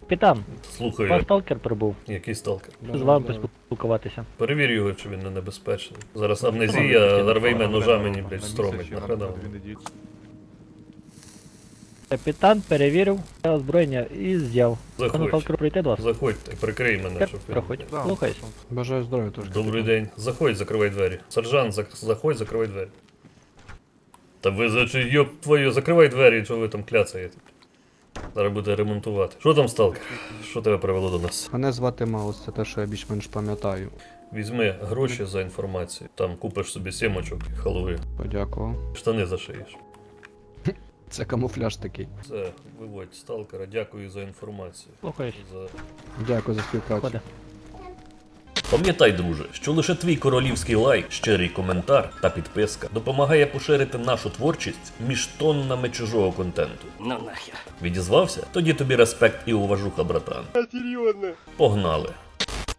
Капітан, Слухаю, ваш сталкер прибув. який сталкер. З вами поспілкуватися. Перевір його, чи він не небезпечний. Зараз амнезія, нарвейме ножа мені, блядь, стромить на хрена. Капітан перевірив озброєння і з'яв. Пане Заходь. сталкеру прийти до вас? Заходьте, прикрий мене, щоб він... Проходь. Слухайся. Бажаю здоров'я теж. Добрий день. Заходь, закривай двері. Сержант, заходь, закривай двері. Та ви йоп твою, закривай двері, що ви там кляцаєте. Зараз буде ремонтувати. Що там, сталкер? Що тебе привело до нас? Мене звати Маус, це те, що я більш-менш пам'ятаю. Візьми гроші за інформацію. Там купиш собі сімочок і халви. Подякував. Штани зашиєш. Це камуфляж такий. Все, виводь сталкера, дякую за інформацію. Слухаюсь. Дякую за співпрацю. Ходи. Пам'ятай, друже, що лише твій королівський лайк, щирий коментар та підписка допомагає поширити нашу творчість між тоннами чужого контенту. Ну нахер. Відізвався? Тоді тобі респект і уважуха, братан. Серйозно? Погнали.